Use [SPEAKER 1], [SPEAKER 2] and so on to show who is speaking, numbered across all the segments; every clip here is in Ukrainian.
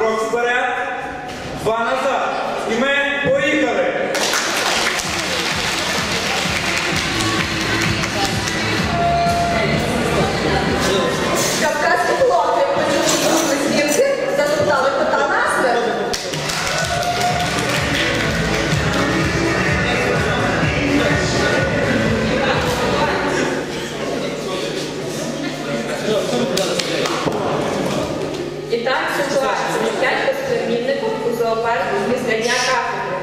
[SPEAKER 1] Крок вперед, 2 назад. І ми поїхали.
[SPEAKER 2] Кавказькі хлопці почули знімки, затоптали кота насмерть. І так ситуація. 5 безплемінників у зоопарку після Дня кафедри.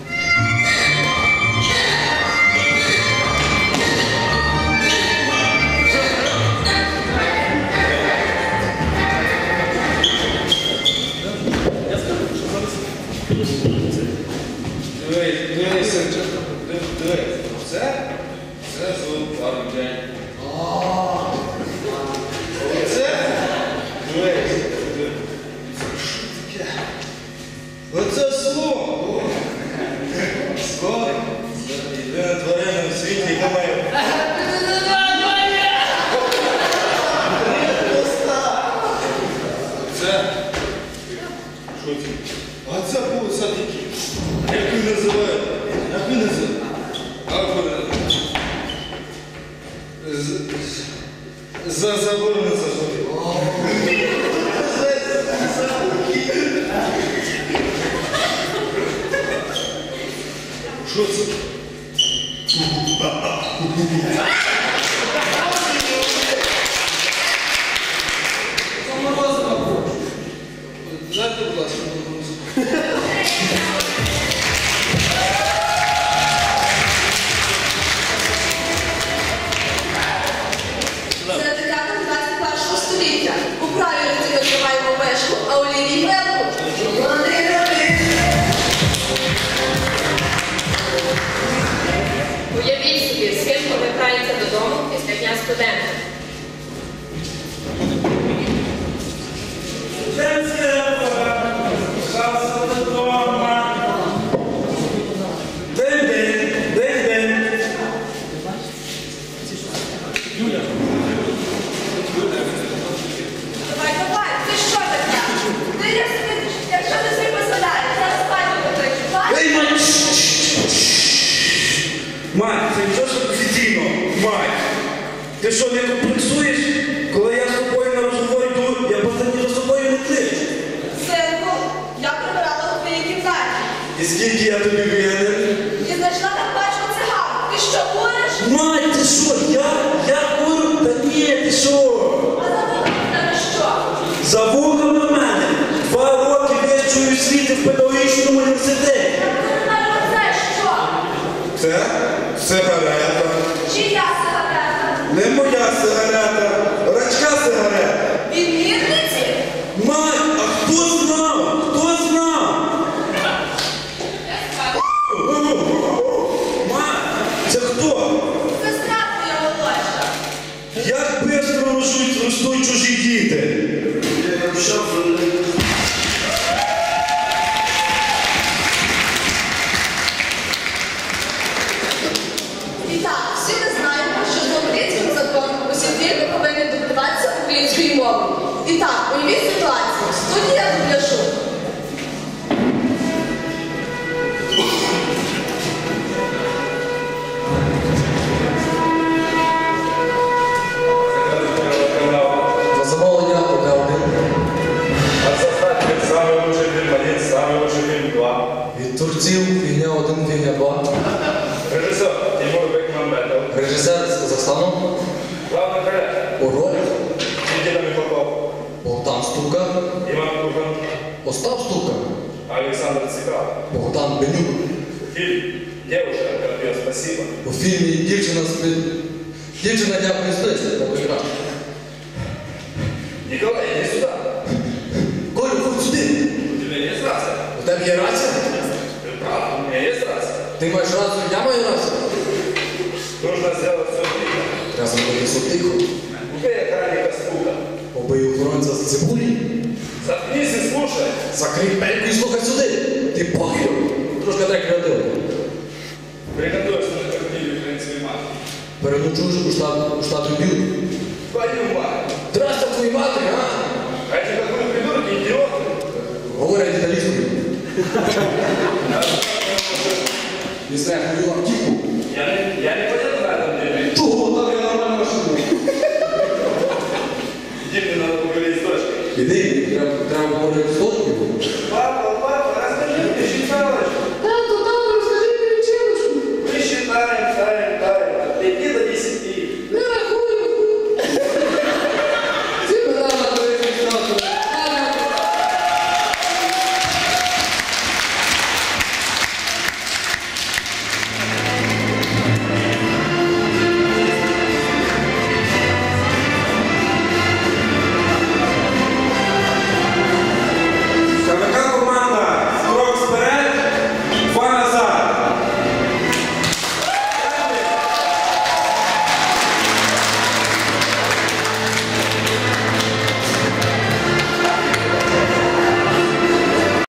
[SPEAKER 3] Дивись. Це зоопарк день. Оце слово! Скоро єдина тварина в світі, яка має... Це? Що це? А це був садики. Як він називає? Як він називає? За заборону заходить. Що це? Дайте, будь ласка, музику.
[SPEAKER 2] Це декада 21 століття. У правій руці ми тримаємо вешку, а у лівій велку. Уявіть собі, з ким повертається додому після Дня студента. Давай, ти що таке? Якщо ти собі посадаєш, зараз спати потричу.
[SPEAKER 1] Ей, мать! Мать, це нічого ж офіційно, мать! Ти що, не комплексуєш? Коли я з тобою на розговор йду, я просто за собою не кличу.
[SPEAKER 2] Синку, я прибирала у твоїй кімнаті.
[SPEAKER 1] І скільки я тобі винен?
[SPEAKER 2] І знайшла там пачку цигарок. Ти що, куриш?
[SPEAKER 1] Мать, ти що, я курю? Та ні, ти що?
[SPEAKER 2] А за вухами в тебе що?
[SPEAKER 1] За вухами в мене 2 роки вищої освіти в педагогічному університеті.
[SPEAKER 2] Це що?
[SPEAKER 1] Це сигарета.
[SPEAKER 2] Чия сигарета?
[SPEAKER 1] Не моя сигарета, рачка сигарета.
[SPEAKER 2] Від мірниці?
[SPEAKER 1] Мать, а хто знав? Хто знав? Мать, це хто?
[SPEAKER 2] Сестра твоя молодша.
[SPEAKER 1] Як бистро ростуть чужі діти?
[SPEAKER 2] І так, всі ми знаємо, що за українським законом усі діти повинні добиватися української мови. І так, уявіть ситуацію. Студія дубляжу.
[SPEAKER 4] За замовлення одне один.
[SPEAKER 3] А це статик самий лучший фільм 1, самий лучший фільм 2.
[SPEAKER 4] Від творців фігня 1, фігня 2.
[SPEAKER 3] Режисер Тимур Бекмамбетов.
[SPEAKER 4] Режисер з Казахстану.
[SPEAKER 3] Главний роль
[SPEAKER 4] У ролі
[SPEAKER 3] Никита Михалков.
[SPEAKER 4] Богдан Ступка.
[SPEAKER 3] Іван Курбан.
[SPEAKER 4] Остап Ступка.
[SPEAKER 3] Александр Цикал.
[SPEAKER 4] Богдан Бенюк.
[SPEAKER 3] Фильм «Девушка, Карпio, спасибо».
[SPEAKER 4] У фільмі Дівчина дякую спиці.
[SPEAKER 3] Николай, иди сюда.
[SPEAKER 4] Колю, ходь сюди.
[SPEAKER 3] У тебя есть рация?
[SPEAKER 4] У тебе є рація?
[SPEAKER 3] Ты прав, у меня есть рация.
[SPEAKER 4] Ти маєш рацію, я маю рацію.
[SPEAKER 3] Нужно сделать все тихо.
[SPEAKER 4] Треба зробити все тихо.
[SPEAKER 3] Убей охранника с пута.
[SPEAKER 4] Побий охоронця з цибулі.
[SPEAKER 3] Заткнись и слушай.
[SPEAKER 4] Закрий пельку і слухай сюди. Ти похер. Трошки так креативно.
[SPEAKER 3] Приготовься на картине украинской матери.
[SPEAKER 4] Переночуєш у штаті Білд.
[SPEAKER 3] Твою мать.
[SPEAKER 4] Здрасте твої матері, а?
[SPEAKER 3] А эти какой придурки, идиоты.
[SPEAKER 4] Не знаю, мою автівку.
[SPEAKER 1] Я не поїду на день.
[SPEAKER 4] Чого? Так я нормально машину.
[SPEAKER 1] Іди мені на поговорити з дочкою.
[SPEAKER 4] Іди, треба поговорити